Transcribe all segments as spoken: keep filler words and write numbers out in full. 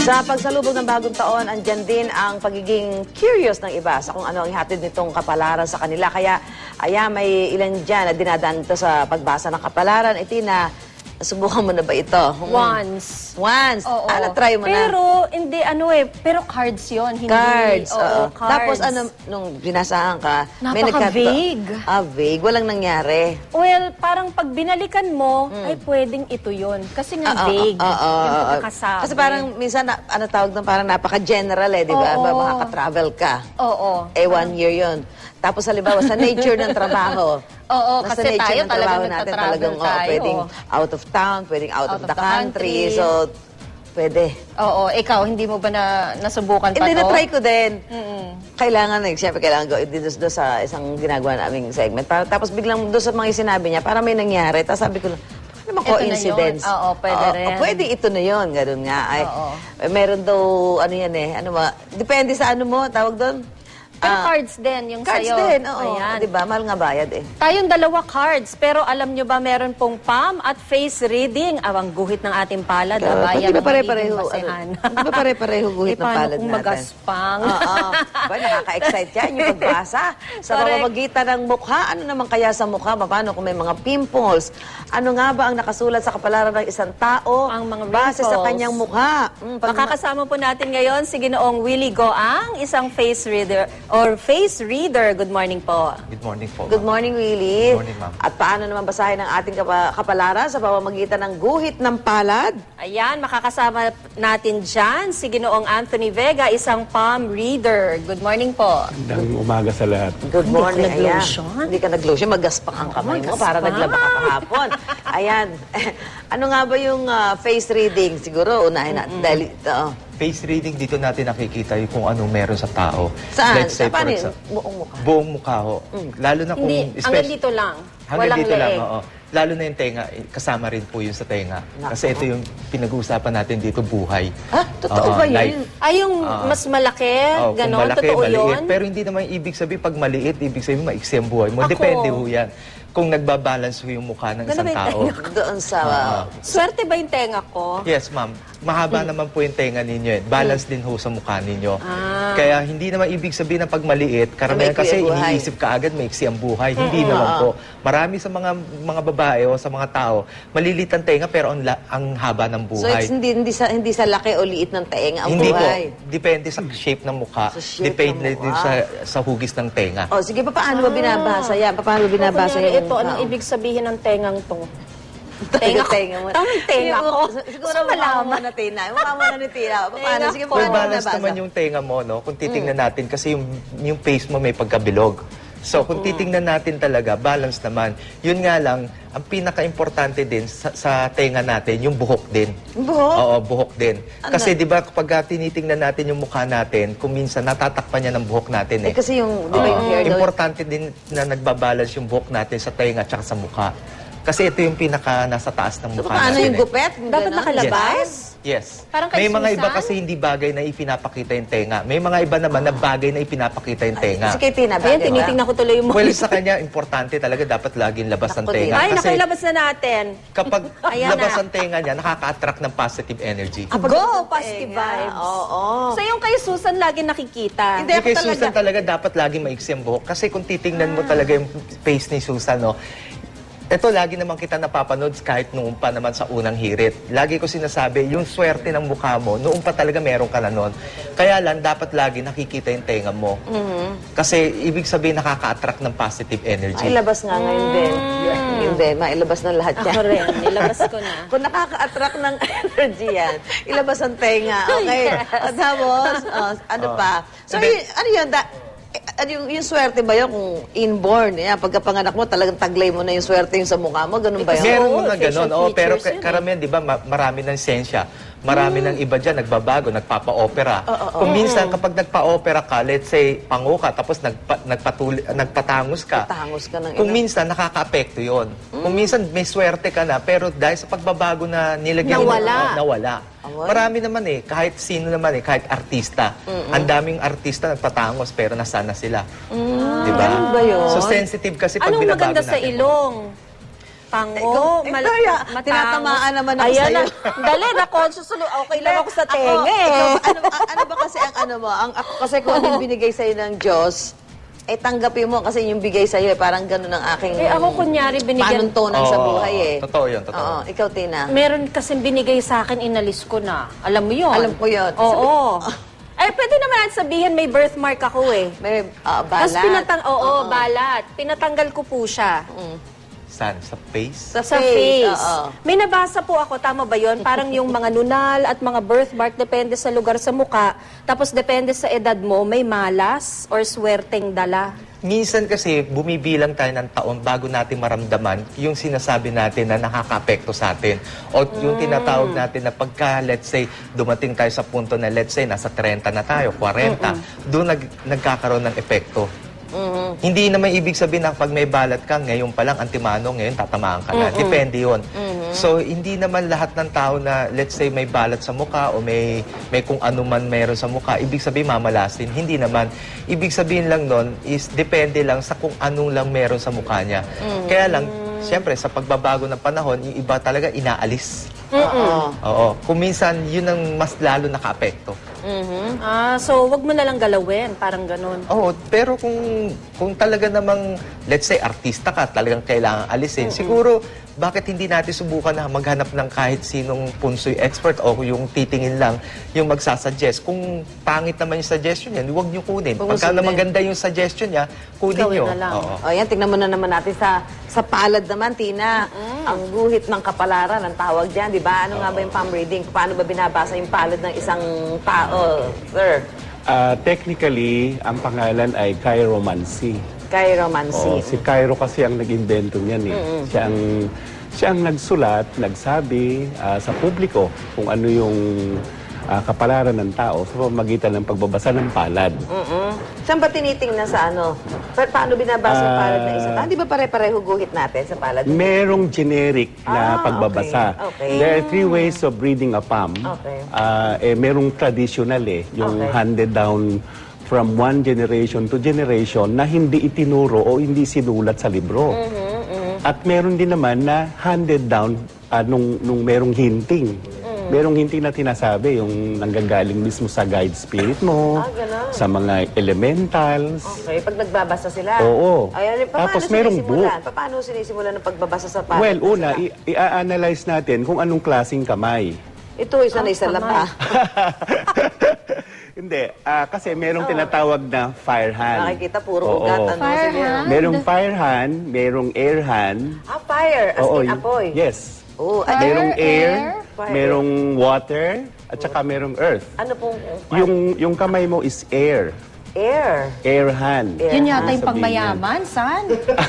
Sa pagsalubog ng bagong taon, andyan din ang pagiging curious ng iba sa kung ano ang ihatid nitong kapalaran sa kanila. Kaya, aya, may ilan dyan na dinadaan ito sa pagbasa ng kapalaran. Iti na, subukan mo na ba ito? Once. Once? Oo. Ah, na-try mo na? Pero, hindi, ano eh, pero cards yon hindi. Cards. Oo, oo. cards. Tapos, ano, nung binasahan ka, may nagkat- Napaka-vague. Ah, vague. Walang nangyari. Well, parang pag binalikan mo, ay pwedeng ito yon Kasi nga Ah, ah, vague. ah, ah, yung ah, pagkakasabi. Kasi parang, minsan, na, ano tawag doon, parang napaka-general eh, di ba? Oo. Makaka-travel ka. Oo. Eh, one year yun. Tapos, halimbawa, sa nature ng trabaho. Oo, Nasa kasi nature tayo ng trabaho talagang natin, nagtatravel talagang, oh, tayo. pwedeng out of town, pwedeng out, Out of, of the, the country. country. So, pwede. Oo, ikaw, hindi mo ba na nasubukan pa Hindi, to? na-try ko din. Mm-mm. Kailangan, eh, siyempre, kailangan ko doon doon sa isang ginagawa naming segment. Para, tapos biglang doon sa mga sinabi niya, para may nangyari. Tapos sabi ko lang, ano naman Ito na coincidence? yun. Oo, pwede Oo, rin. oh, pwede ito na yun, ganun nga. Ay, Oo. eh, meron daw, ano yan eh, ano ba, depende sa ano mo, tawag doon. Pero Ah, cards din, yung Cards sa'yo. din, oo. Ayan. Di ba? Mahal nga bayad eh. Tayong dalawa cards, pero alam nyo ba meron pong palm at face reading? Awang guhit ng ating palad, Kaya, ah, di bayan ba ang pare-pareho, magiging basehan. ano, di ba pare-pareho guhit Eh, ng paano palad kung natin? magaspang? Oo. Ba, nakaka-excite yan yung pagbasa. Sa Correct. pamamagitan ng mukha, ano naman kaya sa mukha? Paano kung may mga pimples? Ano nga ba ang nakasulat sa kapalaran ng isang tao? Ang mga base sa wrinkles. kanyang mukha. Mm, pag- Makakasama po natin ngayon si Ginoong Willie Goang, isang face reader or face reader. Good morning po. Good morning po. Good morning, Willie. Good morning, ma'am. At paano naman basahin ang ating kapa- kapalaran sa pamamagitan ng guhit ng palad? Ayan, makakasama natin dyan si Ginoong Anthony Vega, isang palm reader. Good morning po. Magandang umaga sa lahat. Good Hindi ka morning. Ayan. nag-lotion? Hindi ka nag-lotion. Magaspang ang kamay mo para magaspang. naglaba ka kahapon. Ayan. Ano nga ba yung ah, face reading? Siguro, unahin natin. Dahil, oo. Face reading, dito natin nakikita yung kung anong meron sa tao. Saan? Let's say, Sa paano for yun? example, Buong mukha? buong mukha ho. Lalo na kung... Hindi, especially- hanggang dito lang. Hanggang Walang dito lang, leeg. oo. Lalo na yung tenga, eh, kasama rin po yun sa tenga. Nako. Kasi ito yung pinag-uusapan natin dito, buhay. Ha? Totoo Oo, ba yun? life. Ay, yung mas malaki, Oo, kung ganon, malaki, totoo maliit. yun? Pero hindi naman ibig sabihin, pag maliit, ibig sabihin maiksi ang buhay mo. Ako. Depende ho yan. Kung nagbabalance ho yung mukha ng Ganun isang ba yung tao. tenga Doon sa... Oo. Swerte ba yung tenga ko? Yes, ma'am. Mahaba naman po yung tenga ninyo. Eh. Balance din ho sa mukha ninyo. Ah. Kaya hindi naman ibig sabihin na pag maliit, karamihan Maiksi kasi ang buhay. iniisip ka agad maiksi ang buhay. Hindi naman po. Marami sa mga mga babae o sa mga tao, malilit ang tenga pero ang, la- ang haba ng So, buhay. it's hindi, hindi, sa, hindi sa laki o liit ng taeng ang hindi buhay. po. Depende sa shape ng mukha. Sa shape Depende ng din mukha. sa, sa hugis ng tenga. O, sige pa, paano ba binabasa yan? Paano ba binabasa Kunyari, yung ito, anong tao? ibig sabihin ng tengang to? Tenga, Tenga ko. tenga mo. Tamang tenga Yung ko. mukha- Siguro Gusto mukha mo malaman. muna, Tina. Mukha mo na ni Tina. Paano? Tenga Sige, ko. paano Well, mo balance binabasa? naman yung tenga mo, no? Kung titingnan natin, kasi yung, yung face mo may pagkabilog. So, kung titingnan natin talaga, balance naman. Yun nga lang, ang pinaka-importante din sa, sa tenga natin, yung buhok din. Buhok? Oo, buhok din. Ano? Kasi di ba kapag ah, tinitingnan natin yung mukha natin, kung minsan natatakpan niya ng buhok natin Eh, eh. kasi yung, di ba yung Oo. hair daw? Importante din na nagbabalance yung buhok natin sa tenga at sa mukha. Kasi ito yung pinaka nasa taas ng So, mukha paano natin. yung eh. gupet? Dapat Ganon? nakalabas? Yes. Parang kay May mga iba Susan? kasi hindi bagay na ipinapakita yung tenga. May mga iba naman na bagay na ipinapakita yung tenga. Kasi kay Tina, Ayan, bagay ba? tinitingnan ko tuloy yung Well, mukha. sa kanya, importante talaga dapat laging labas ang Naku, tenga. Ay, Kasi nakalabas na natin. kapag Ayan labas na. ang tenga niya, nakaka-attract ng positive energy. Ah, Go! pagdating sa Positive tenga. vibes. Oo. So, yung kay Susan lagi nakikita. Hindi. Hindi kay ako talaga- Susan talaga dapat laging maiksi ang buhok. Kasi kung titingnan mo talaga yung face ni Susan, no, ito lagi naman kita napapanood kahit noon pa naman sa unang hirit. Lagi ko sinasabi, yung swerte ng mukha mo, noon pa talaga meron ka na noon. Kaya lang, dapat lagi nakikita yung tenga mo. Kasi ibig sabihin, nakaka-attract ng positive energy. Ay, labas nga ngayon din. Hindi, mailabas na lahat yan. Ako rin, nilabas ko na. Kung nakaka-attract ng energy yan, ilabas ang tenga. Okay. At tapos, oh, ano pa? So, Hindi. yun, ano yun? Da, eh, ano yung, yung swerte ba yun kung inborn? Yan, pagkapanganak mo, talagang taglay mo na yung swerte yung sa mukha mo? Ganun ba yun? Meron Oo, mga facial ganon. Oo, pero features yun eh. karamihan, di ba, ma- marami ng sensya. Marami ng iba dyan, nagbabago, nagpapa-opera. Kung minsan, kapag nagpa-opera ka, let's say, pango ka, tapos nagpa, nagpatuli, nagpatangos ka. Patangos ka ng Kung ina. minsan, nakaka-apekto yun. Kung minsan, may swerte ka na, pero dahil sa pagbabago na nilagyan mo, Nawala. oh, nawala. Amoy. Marami naman eh, kahit sino naman eh, kahit artista. Ang daming artista nagpatangos, pero nasana sila. Di ba? Ganun ba yun? So, sensitive kasi pag Anong binabago maganda sa natin. ilong? Mapango, Eh, mal- ikaw, ya, matangos. tinatamaan naman ako Ayan sa'yo. na. Dali, na-conscious ulit. Okay lang ako sa tenga Ako, eh. ikaw, ano, a- ano ba kasi ang ano mo? Ang, ako kasi kung ano yung binigay sa'yo ng Diyos, eh tanggapin mo kasi yung bigay sa'yo, eh, parang ganun ang aking Eh, ako kunyari binigyan- panuntunan sa Oo, buhay eh. totoo yun, totoo. Oo, ikaw, Tina. Meron kasing binigay sa akin, inalis ko na. Alam mo yun? Alam ko yun. Oo. Ay, pwede naman natin sabihin may birthmark ako eh. May ah, balat. Tapos pinatang, oo, balat. Pinatanggal ko po siya. Saan? Sa face? Sa Sa face. face. oo. May nabasa po ako, tama ba yon? Parang yung mga nunal at mga birthmark, depende sa lugar sa muka. Tapos depende sa edad mo, may malas or swerteng dala. Minsan kasi bumibilang tayo ng taon bago natin maramdaman yung sinasabi natin na nakaka-apekto sa atin. O yung tinatawag natin na pagka, let's say, dumating tayo sa punto na let's say, nasa thirty na tayo, forty, doon nag, nagkakaroon ng epekto. Hindi naman ibig sabihin na pag may balat ka, ngayon pa lang, antimano, ngayon tatamaan ka na. Depende yun. So, hindi naman lahat ng tao na, let's say, may balat sa mukha o may, may kung ano man meron sa mukha, ibig sabihin mamalasin. Hindi naman. Ibig sabihin lang nun is depende lang sa kung anong lang meron sa mukha niya. Kaya lang, siyempre, sa pagbabago ng panahon, yung iba talaga inaalis. Oo. Oo. Kung minsan, yun ang mas lalo naka-apekto. Ah, so wag mo na lang galawin, parang ganun. Oo, pero kung kung talaga namang, let's say, artista ka, talagang kailangan alisin, siguro, bakit hindi natin subukan na maghanap ng kahit sinong punsoy expert o yung titingin lang, yung magsasuggest. Kung pangit naman yung suggestion niya, huwag niyo kunin. Huwag mo Pagka na sundin. maganda yung suggestion niya, kunin Gawin niyo. na lang. Oo. O yan, tignan mo na naman natin sa sa palad naman, Tina. Ang guhit ng kapalaran, ang tawag dyan, di ba? Ano nga ba yung palm reading? Paano ba binabasa yung palad ng isang tao, sir? Ah, technically, ang pangalan ay chiromancy. Chiromancy. Oh, si Cairo kasi ang nag-invento niyan eh. Siya ang siya ang nagsulat, nagsabi ah, sa publiko kung ano yung ah, kapalaran ng tao sa pamamagitan ng pagbabasa ng palad. Mm-mm. Saan ba tinitingnan sa ano? Pa- paano binabasa yung palad ng isang tao? Di ba pare-pareho guhit natin sa palad? Merong generic na Ah, pagbabasa. okay, okay. There are three ways of reading a palm. Okay. Ah, eh, merong traditional eh, yung Okay. handed down from one generation to generation na hindi itinuro o hindi sinulat sa libro. Mm-hmm, At meron din naman na handed down ah, nung, nung merong hinting. Mm. Merong hinting na tinasabi, yung nanggagaling mismo sa guide spirit mo, Ah, ganun. sa mga elementals. Okay, pag nagbabasa sila. Oo. Ay, pa- Tapos paano merong sinisimulan? Pa- Paano sinisimulan ng pagbabasa sa palad? Well, ng una, sila? i- i-analyze natin kung anong klaseng kamay. Ito, isa na isa lang pa. Hindi, ah, kasi merong tinatawag na fire hand. Nakikita, puro Oo. ugat. Ano, Fire sige. hand? Merong fire hand, merong air hand. Ah, fire. As in y- apoy. Yes. Oh, ay, Merong air, Fire. merong water, at saka merong earth. ano pong Yung yung kamay mo is air. air? Air hand. Air Yun yata yung Sabihin pangmayaman, san?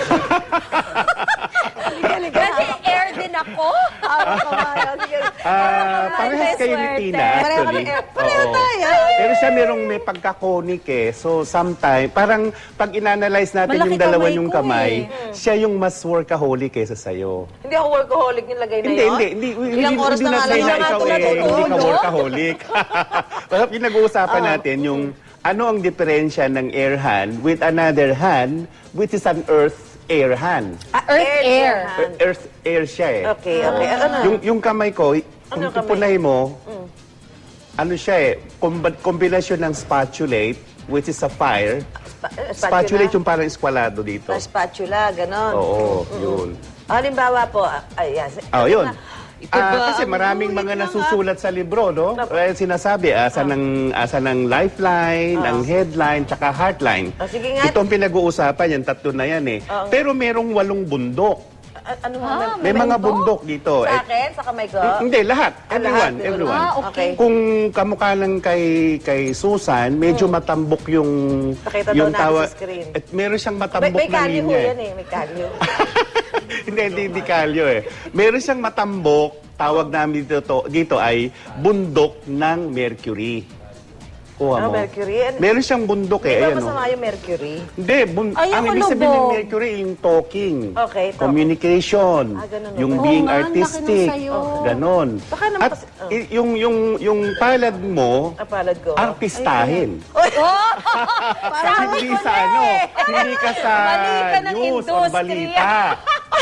Kasi air din ako. Ah, kamay. Sige. Ah, Ay, parehas may kayo ni swerte. Tina, Pareho actually. kami air. Pareho Oo. tayo. Pero siya merong may pagkakonik eh. So, sometime, parang pag inanalyze natin Malaki yung dalawa kamay yung ko kamay, eh. siya yung mas workaholic kaysa sa'yo. Hindi ako workaholic yung lagay na Hindi, yun. hindi, hindi. Ilang oras na nga lang na na ikaw ito eh, hindi ka natutulog. workaholic. Well, pinag-uusapan natin yung ano ang diferensya ng air hand with another hand, which is an earth air hand. Ah, earth, Air, air. air. Earth air siya eh. Okay, okay. Ano? Yung, yung kamay ko, kung Ano kamay? pupunay mo, ano siya eh, komb- kombinasyon ng spatulate, which is a fire. Spa- eh, Spatulate yung parang eskwalado dito. Ah, spatula, ganon. Oo, yun. Halimbawa po, ah, ay, yes. Oh, yun. Ito Ah, ba kasi ang maraming guhit mga lang, ah? nasusulat sa libro, no? Eh, sinasabi, asa ng, asa ng lifeline, ng headline, tsaka heartline. Oh, sige nga. Itong pinag-uusapan, yung tatlo na yan eh. Oo. Pero merong walong bundok. A- ano nga? May mga bundok dito. Sa Eh, akin, sa kamay ko? hindi, lahat. Ah, Everyone, lahat? everyone. Ah, okay. Kung kamukha lang kay kay Susan, medyo matambok yung Pakita daw yung natin sa screen. At meron siyang May, matambok may na kalyo ho linya. eh. yan eh, may kalyo. hindi, hindi, hindi kalyo eh. Meron siyang matambok, tawag namin dito, to, dito ay bundok ng Mercury. Kuha Ah, mo. Mercury? Ano- Meron siyang bundok Di eh. ba Ayan, masama oh. yung mercury? Hindi, bun- Ay, ang ako ibig sabihin ng lubog. Mercury, yung talking, Okay, talking. communication, Ah, ganun yung ba? being Oo nga, ang laki artistic, nung sayo. ganon. Baka naman At kasi- oh. i- yung, yung, yung palad mo, Ang palad ko. artistahin. Oy! Hindi sa ano, hindi ka sa Mali ka ng news or industriya. balita.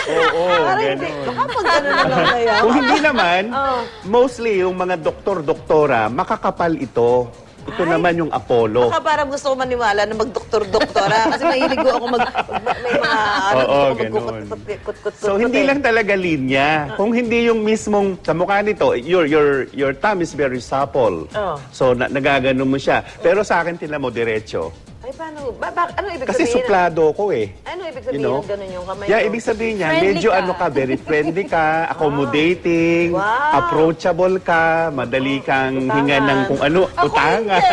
Oo, Parang hindi. ganun. Baka pag gano'n na lang na yan. Kung hindi naman, Oh. mostly yung mga doktor-doktora, makakapal ito. Ito Ay. naman yung Apollo. Baka parang gusto ko maniwala na mag-doktor-doktora kasi mahilig ako mag, mag- may mga ano, Oo, gusto ko ganun. magkukut-kut-kut-kut. So hindi lang talaga linya. Kung hindi yung mismong sa mukha nito, your your your thumb is very supple. Oh. So na, nagagano mo siya. Pero sa akin tila mo diretso. Ay, paano? Ba, ba, ano ibig Kasi sabihin? suplado ko eh. Ano ibig sabihin You know? ng ganun yung kamay Yeah, ko? ibig sabihin niya, Friendly medyo ka. ano ka, very friendly ka, accommodating, Wow. approachable ka, madali kang Utangan. hinga ng kung ano, utangan.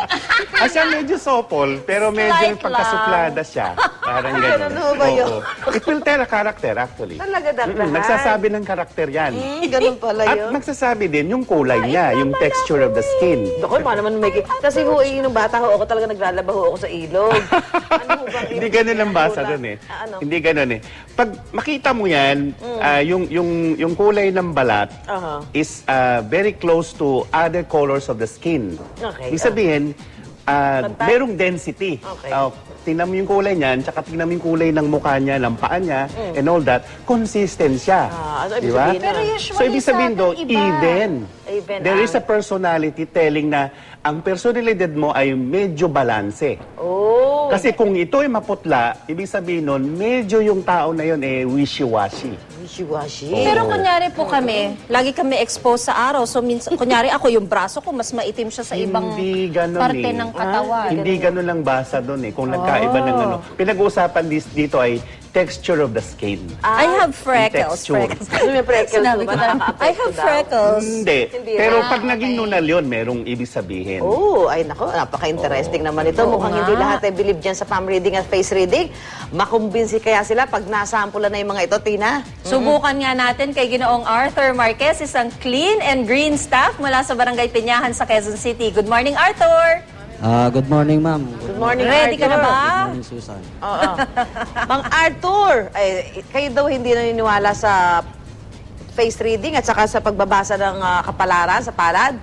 Ah, siya medyo sopol, pero medyo Slight pagkasuplada siya. Parang Ay, gano'n. ganun ba yun? Oo. It will tell a character actually. Talaga, Mm-mm, dakdahan. nagsasabi ng karakter yan. Hmm, ganun pala At yun. nagsasabi din yung kulay niya, yung texture of the skin. Dako, paano naman may... Kasi ho, eh, nung bata ho, ako talaga naglalaba ho ako sa ilog. Ano ho bang Hindi ibig ganun sabihin ang basa ng doon eh. Ah, ano? Hindi ganun eh. Pag makita mo yan, Mm. ah, yung, yung, yung kulay ng balat Aha. is ah, very close to other colors of the skin. Okay, Ibig sabihin, ah, Pantay? merong density. Okay. Ah, tingnan mo yung kulay niyan, tsaka tingnan mo yung kulay ng mukha niya, ng paa niya, and all that, consistent siya. Mm. Ah, ano ibig Di ba? sabihin Pero nun? usually So, ibig sabihin sa do, atin, iba. even. Even, There ah. is a personality telling na ang personalidad mo ay medyo balanse. Oh. Kasi kung ito ay maputla, ibig sabihin nun, medyo yung tao na yun eh wishy-washy. Wishy-washy. Pero kunyari po kami, lagi kami exposed sa araw. So minsan, kunyari ako, yung braso ko, mas maitim siya sa ibang Hindi ganun parte eh. ng katawan. Hindi ganun lang basa doon eh. Kung nagkaiba ng Oh. ano. Pinag-uusapan dis- dito ay texture of the skin. I have freckles. Texture. freckles. Ano may freckles Sinabi mo ko ba? na, Nakaka-apekto I have daw? freckles. Hindi. Hindi Pero rin. pag Ah, naging okay. nunal yun, merong ibig sabihin. Oh, ay nako, napaka-interesting naman ito. Oo Mukhang nga. hindi lahat ay believe dyan sa palm reading at face reading. Makumbinsi kaya sila pag nasampulan na yung mga ito, Tina? Subukan nga natin kay Ginoong Arthur Marquez, isang clean and green staff mula sa Barangay Pinyahan sa Quezon City. Good morning, Arthur! Ah, good morning, ma'am. Good morning, Ready ka na Arthur. ba? Good morning, Susan. Oo. Mang Arthur, ay, kayo daw hindi naniniwala sa face reading at saka sa pagbabasa ng ah, kapalaran sa palad?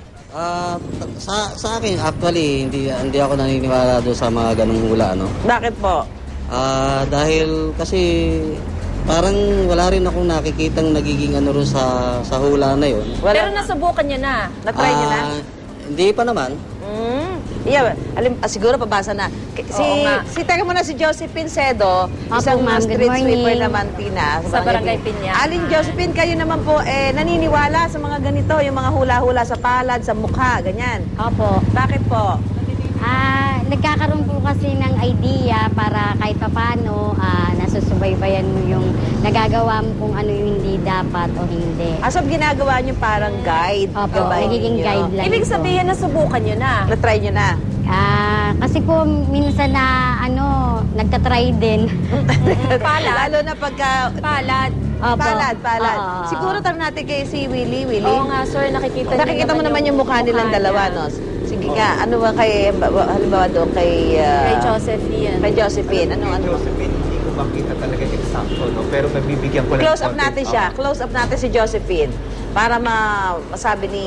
Ah, sa sa akin actually hindi hindi ako naniniwala doon sa mga ganung hula, no. Bakit po? Ah, dahil kasi parang wala rin akong nakikitang nagiging ano rin sa sa hula na 'yon. Wala. Pero nasubukan niyo na. Na-try niyo na? Ah, hindi pa naman. Mm. Yeah, alim, ah, siguro pabasa na. K- Si, Oo nga. si, teka muna, si Josephine Cedo, Opo, isang ma'am. Good street morning. sweeper naman, Tina. Sa Barangay Pinyahan. Alin, Josephine, kayo naman po, eh, naniniwala sa mga ganito, yung mga hula-hula sa palad, sa mukha, ganyan. Opo. Bakit po? Ah, nagkakaroon po kasi ng idea para kahit papano ah, nasusubaybayan mo yung nagagawa mo kung ano yung hindi dapat o hindi. Asab ginagawa nyo parang guide. Opo, gabay nagiging ninyo. guideline Ibig po. sabihin, nasubukan niyo na. Na-try nyo na. Ah, kasi po minsan na ano, nagtatry din. Palad. Lalo na pagka... Palad. Opo. Palad, palad. Oo. Siguro tanong natin kay si Willie, Willie. Oo nga, sir. Nakikita, niyo Nakikita mo naman yung mukha nilang mukha dalawa, niya. no? Sige nga, ano ba kay, halimbawa doon kay... ah, Kay Josephine. Kay Josephine, ano, ano? Josephine, hindi ko makita talaga yung exacto, no? Pero mabibigyan ko lang Close up konti. natin siya. Close up natin si Josephine. Para ma masabi ni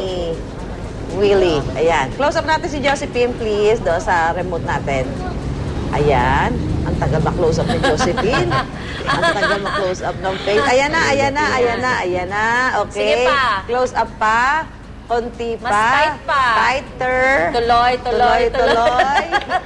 Willie. Ayan. Close up natin si Josephine, please, do sa remote natin. Ayan. Ang tagal ma-close up ni Josephine. Ang tagal ma-close up ng face. Ayan na, ayan na, ayan na, ayan na. Okay. Sige pa. Close up pa. Konti pa. Mas tight pa. Tighter. Tuloy, tuloy, tuloy. tuloy.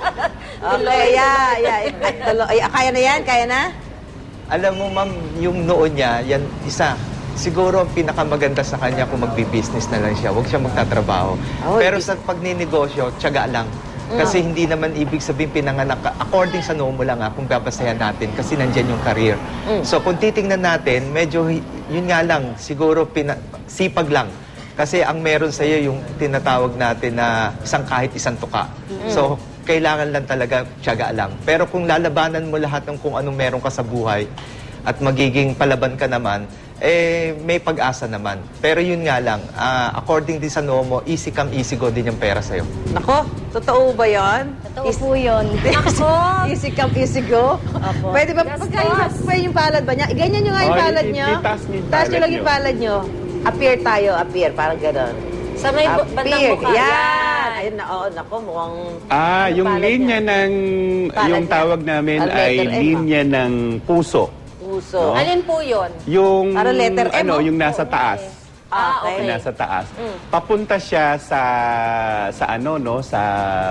Okay, yeah, yeah. Ay, tuloy. Ay, kaya na yan? Kaya na? Alam mo, ma'am, yung noon niya, yan, isa, siguro ang pinakamaganda sa kanya kung magbi-business na lang siya. Huwag siya magtatrabaho. Oh, Pero ibig- sa pagninegosyo, tiyaga lang. Kasi hindi naman ibig sabihin pinanganak ka. According sa noo mo lang ha, kung babasayan natin, kasi nandyan yung career. So kung titingnan natin, medyo, hi- yun nga lang, siguro pina, sipag lang. Kasi ang meron sa iyo yung tinatawag natin na isang kahit isang tuka. So kailangan lang talaga tiyaga lang. Pero kung lalabanan mo lahat ng kung anong meron ka sa buhay at magiging palaban ka naman, eh may pag-asa naman. Pero yun nga lang, ah, according din sa noo mo, easy come, easy go din yung pera sa'yo. Nako, totoo ba yan? Totoo po yun. Ako. Easy come, easy go? Opo. Pwede ba, Gastos. pagka yung, pwede yung palad ba niya? Ganyan nyo nga yung Oh, palad i- nyo. itaas niyo yung Taas nyo palad lang yung nyo. palad nyo. Appear tayo, appear. Parang gano'n. Sa may bu- bandang Appear. mukha. Yan. Ayun na, oo, nako, mukhang... Ah, yung palad linya niya. ng, Palad yung niya. tawag namin Ang ay letter M, ah. linya ng puso. Puso. puso. Alin po yun? Yung, Parang letter M, ano, oh. yung nasa taas. Ah, okay. Yung nasa taas. Papunta siya sa sa ano no sa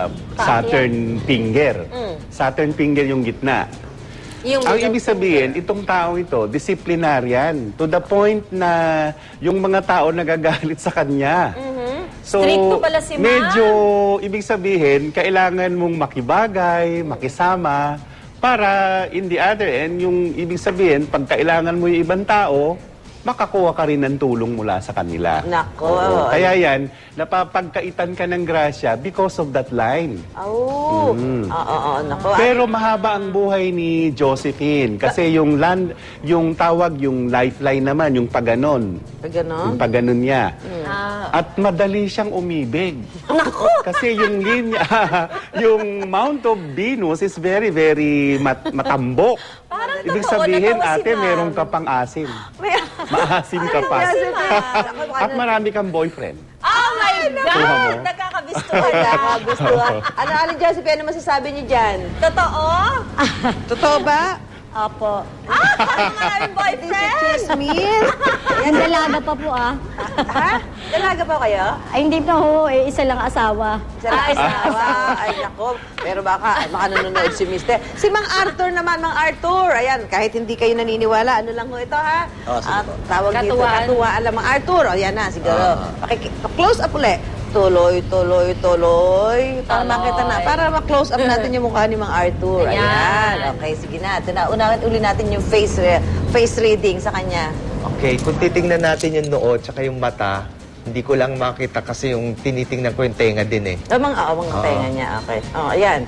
Saturn finger. Saturn finger yung gitna. Yung Ang middle ibig sabihin, itong tao ito, disciplinarian. To the point na yung mga tao nagagalit sa kanya. So, Stricto pala si ma'am. medyo, ibig sabihin, kailangan mong makibagay, makisama, para in the other end, yung ibig sabihin, pag kailangan mo yung ibang tao, makakuha ka rin ng tulong mula sa kanila. Nako. Oo. Kaya yan, napapagkaitan ka ng grasya because of that line. Oh. Oo, oo, nako. Pero mahaba ang buhay ni Josephine kasi yung land, yung tawag, yung lifeline naman, yung paganon. Ganon? Yung paganon niya. Ah. At madali siyang umibig. Kasi yung linya, yung Mount of Venus is very, very mat matambok. Parang Ibig totoo, sabihin, natawa si ate, ma'am. meron ka pang asim. May- Maasim ka pa. Josephine. At marami kang boyfriend. Oh my Kuha mo. God! Nakakabistuhan na. Nakakagustuhan. Ano, Aling Josephine, ano masasabi niyo dyan? Totoo? Totoo ba? Opo. Ah, parang maraming boyfriend! Chismis? Ang dalaga pa po ah. Ha? Dalaga pa kayo? Ay, hindi pa ho. Eh, isa lang asawa. Isa lang asawa. Ay, nako. Pero baka, baka nanonood si Mister. Si Mang Arthur naman, Mang Arthur. Ayan, kahit hindi kayo naniniwala, ano lang ho ito, ha? Oh, sige Ah, po. tawag dito, Katuwaan. katuwaan lang, Mang Arthur. O, yan na, siguro. Ah. Paki- close up ulit. Tuloy, tuloy, tuloy. Para Tuloy. makita na. Para ma-close up natin yung mukha ni Mang Arthur. Ayan. Ayan. Okay, sige na. Ito na. Unahin uli natin yung face re- face reading sa kanya. Okay, kung titingnan natin yung noo tsaka yung mata, hindi ko lang makita kasi yung tinitingnan ko yung tenga din eh. Oh, mga, oh, mga Oo. tenga niya. Okay. Oh, ayan.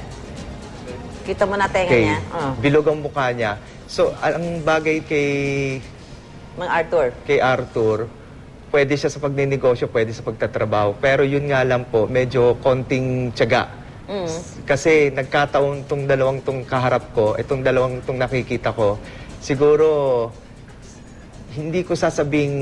Kita mo na tenga Okay, niya. Oh, bilog ang mukha niya. So, ang bagay kay Mang Arthur. kay Arthur, pwede siya sa pagninegosyo, pwede sa pagtatrabaho. Pero yun nga lang po, medyo konting tiyaga. Kasi nagkataon tong dalawang tong kaharap ko, itong dalawang tong nakikita ko, siguro hindi ko sasabing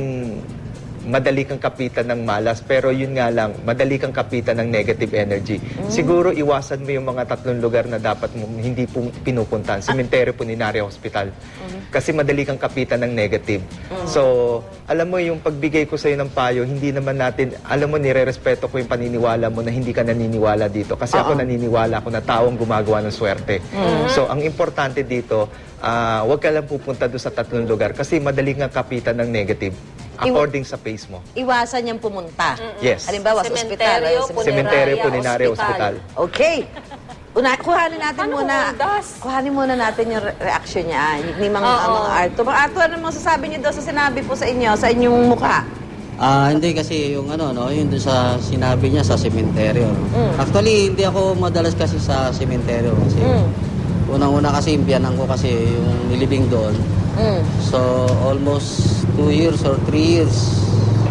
madali kang kapitan ng malas, pero yun nga lang, madali kang kapitan ng negative energy. Siguro iwasan mo yung mga tatlong lugar na dapat mo hindi po pinupuntahan. Cementerio, Puninaria, Hospital. Kasi madali kang kapitan ng negative. So, alam mo yung pagbigay ko sa'yo ng payo, hindi naman natin, alam mo, nire-respeto ko yung paniniwala mo na hindi ka naniniwala dito. Kasi ako naniniwala ako na taong gumagawa ng swerte. So, ang importante dito, ah, huwag ka lang pupunta doon sa tatlong lugar kasi madali kang kapitan ng negative. According sa pace mo. Iwasan niyang pumunta. Yes. Halimbawa, sa ospital. Cementerio, ay, sa- Cementerio, Puneraria, Puninaria, Hospital. Hospital. Okay. Una, kuhanin natin Paano muna. kumundas? Kuhanin muna natin yung re- reaction niya. Ni mga, Oo. mga Arthur. Mga Arthur, ano masasabi niyo daw sa sinabi po sa inyo, sa inyong mukha? Ah, hindi kasi yung ano no, yung doon sa sinabi niya sa sementeryo. Actually, hindi ako madalas kasi sa sementeryo kasi unang-una kasi impianan ko kasi yung nilibing doon. Mm. So, almost two years or three years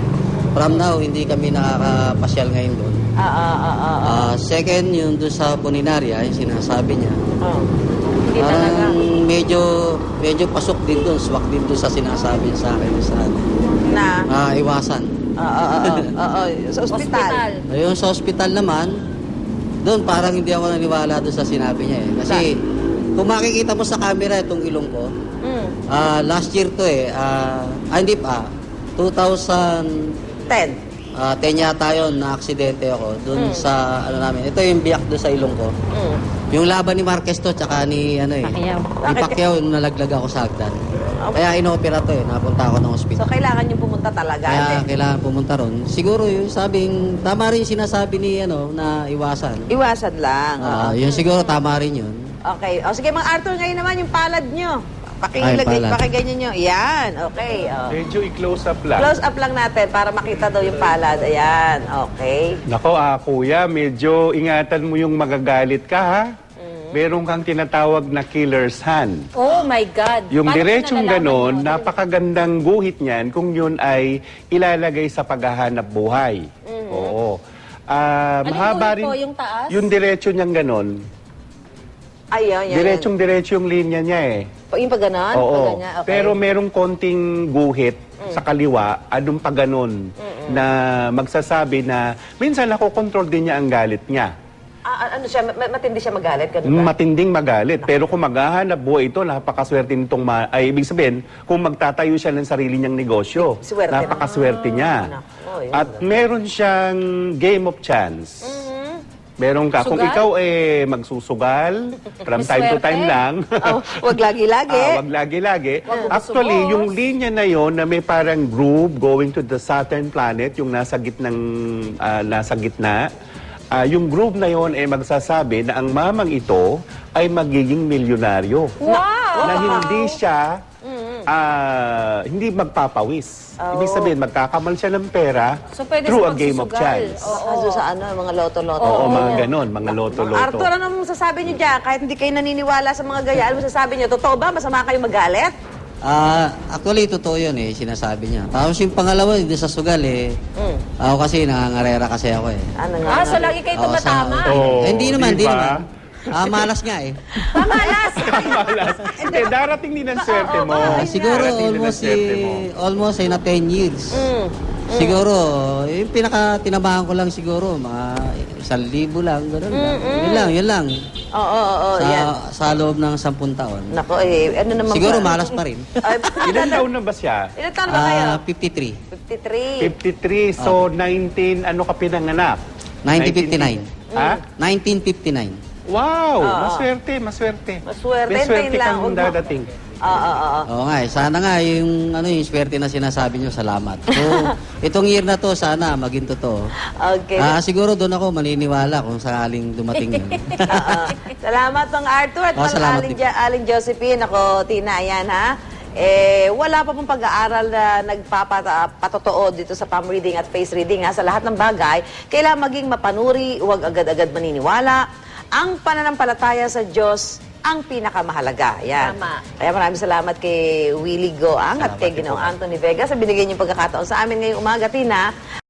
from now, hindi kami nakakapasyal ngayon doon. Ah, ah, ah, ah, ah. Ah, second, yung doon sa Puninaria, yung sinasabi niya. Oh. Hindi talaga. Parang medyo, medyo pasok din doon, swak din doon sa sinasabi sa akin sa Na? ah, iwasan. Ah, ah, ah, ah, ah, ah. Sa ospital. Hospital. Ayun, sa ospital naman, doon parang hindi ako naniwala doon sa sinabi niya eh. Kasi kung makikita mo sa camera itong ilong ko, Mm. ah, last year to eh, ah, ah, hindi pa, two thousand Ten. ten yata yun, na aksidente ako doon sa, ano namin, ito yung biyak doon sa ilong ko. Mm. Yung laban ni Marquez to, tsaka ni, ano eh, Pacquiao. ni Pacquiao, yung nalaglag ako sa hagdan. Kaya inopera to eh, napunta ako ng So, ospital. kailangan niyo pumunta talaga. Kaya Hindi. kailangan pumunta ron. Siguro yung sabing, tama rin yung sinasabi ni, ano, na iwasan. Iwasan lang. Ah, oo. yun siguro tama rin yun. Okay. O sige, Mang Arthur, ngayon naman yung palad nyo. Ay, Pakilagay, palad. pakiganyan nyo. Yan. Okay. Oh. Medyo i-close up lang. Close up lang natin para makita daw yung palad. Ayan. Okay. Nako, ah, kuya, medyo ingatan mo yung magagalit ka, ha? Meron kang tinatawag na killer's hand. Oh my God. Yung Paano diretsong ko nalalaman ganon, yun? napakagandang guhit niyan kung yun ay ilalagay sa paghahanap buhay. Oo. Ah, Anong mahaba guhit rin. po? Yung taas? Yung diretso niyang ganon. Ayun, yan. Diretsong diretso yung linya niya eh. yan. Yung pag ganon? Oo. Pag ganyan, okay. Pero merong konting guhit sa kaliwa, anong pa ganon, na magsasabi na minsan nakokontrol din niya ang galit niya. Ah, ano siya, ma- matindi siya magalit, ganun ba? Matinding magalit. Pero kung maghahanap buhay ito, napakaswerte nitong, ma- ay ibig sabihin, kung magtatayo siya ng sarili niyang negosyo, Swerte. napakaswerte niya. Nako, yun. At meron siyang game of chance. Meron ka. Kung Sugal? ikaw eh magsusugal, from time to Swerte? time lang. Oh, wag lagi-lagi. Ah, wag lagi-lagi. Wag Actually, bubusubos. yung linya na yon na may parang groove going to the Saturn planet, yung nasa gitnang ah, nasa gitna, ah, yung groove na yon ay magsasabi na ang mamang ito ay magiging milyonaryo. Wow! Na hindi siya ah, hindi magpapawis. Ibig sabihin, magkakamal siya ng pera So, pwede through siya a game of magsusugal. chance. Oo. Baka doon sa ano, mga loto-loto. Oo, mga ganon, mga loto-loto. Arthur, anong masasabi niyo dyan? Kahit hindi kayo naniniwala sa mga gaya, ano masasabi niyo? Totoo ba? Masama kayo magalit? Ah, actually, totoo yun eh, sinasabi niya. Tapos yung pangalawa, hindi sa sugal eh. Ako kasi, nangangarera kasi ako eh. Ano nga? Ah, so lagi kayo Oo, tumatama. sa- Oo, Eh, hindi naman, hindi diba? naman. Ah, malas nga eh. Pamalas! Malas. Hindi, darating din ang swerte mo. Ah, siguro Darating din ang almost swerte mo. eh, almost eh, na ten years. Mm. Siguro, yung pinaka tinabahan ko lang siguro, mga isang libo lang, gano'n lang. Yun lang, yun lang. Oo, oo, oo, sa, yan. sa loob ng sampung taon. Nako, eh, ano naman Siguro ba? malas pa rin. Ay, Ilan taon na ba siya? Ilan taon ba kayo? Ah, fifty-three. fifty-three. fifty-three, so nineteen, ano ka pinanganak? nineteen fifty-nine. Ha? nineteen fifty-nine. Wow, Oo. maswerte, maswerte. Maswerte, May swerte hintayin lang. kang Huwag mo- dadating. Oo, oo, oo. Oo nga eh. Sana nga yung, ano, yung swerte na sinasabi nyo, salamat. So, itong year na to, sana maging totoo. Okay. Ah, siguro doon ako maniniwala kung sakaling dumating yun. Oo. Salamat, Mang Arthur. At Oh, Mang salamat Aling, din. Jo- Aling Josephine. Ako, Tina, ayan ha. Eh, wala pa pong pag-aaral na nagpapatotoo dito sa palm reading at face reading. Ha? Sa lahat ng bagay, kailangan maging mapanuri, huwag agad-agad maniniwala. Ang pananampalataya sa Diyos ang pinakamahalaga. Yan. Tama. Kaya maraming salamat kay Willie Goang at Salamat kay din Ginoong po. Anthony Vega sa binigay niyong pagkakataon sa amin ngayong umaga, Tina.